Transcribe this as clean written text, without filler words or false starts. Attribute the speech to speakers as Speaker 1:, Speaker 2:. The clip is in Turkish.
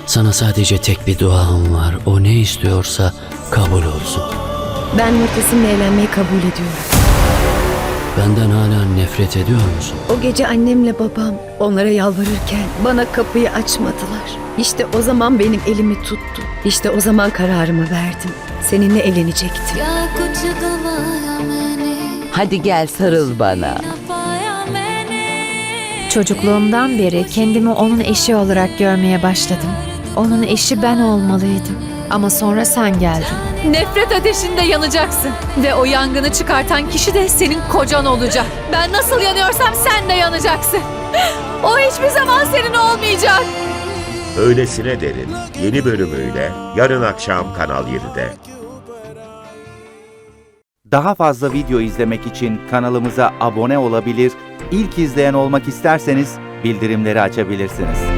Speaker 1: Sana sadece tek bir duam var. O ne istiyorsa kabul olsun.
Speaker 2: Ben Murtasim'le evlenmeyi kabul ediyorum.
Speaker 1: Benden hala nefret ediyor musun?
Speaker 2: O gece annemle babam onlara yalvarırken bana kapıyı açmadılar. İşte o zaman benim elimi tuttu. İşte o zaman kararımı verdim. Seninle evlenecektim.
Speaker 3: Hadi gel sarıl bana.
Speaker 4: Çocukluğumdan beri kendimi onun eşi olarak görmeye başladım. Onun eşi ben olmalıydım. Ama sonra sen geldin.
Speaker 5: Nefret ateşinde yanacaksın. Ve o yangını çıkartan kişi de senin kocan olacak. Ben nasıl yanıyorsam sen de yanacaksın. O hiçbir zaman senin olmayacak.
Speaker 6: Öylesine Derin yeni bölümüyle yarın akşam Kanal 7'de.
Speaker 7: Daha fazla video izlemek için kanalımıza abone olabilir, ilk izleyen olmak isterseniz bildirimleri açabilirsiniz.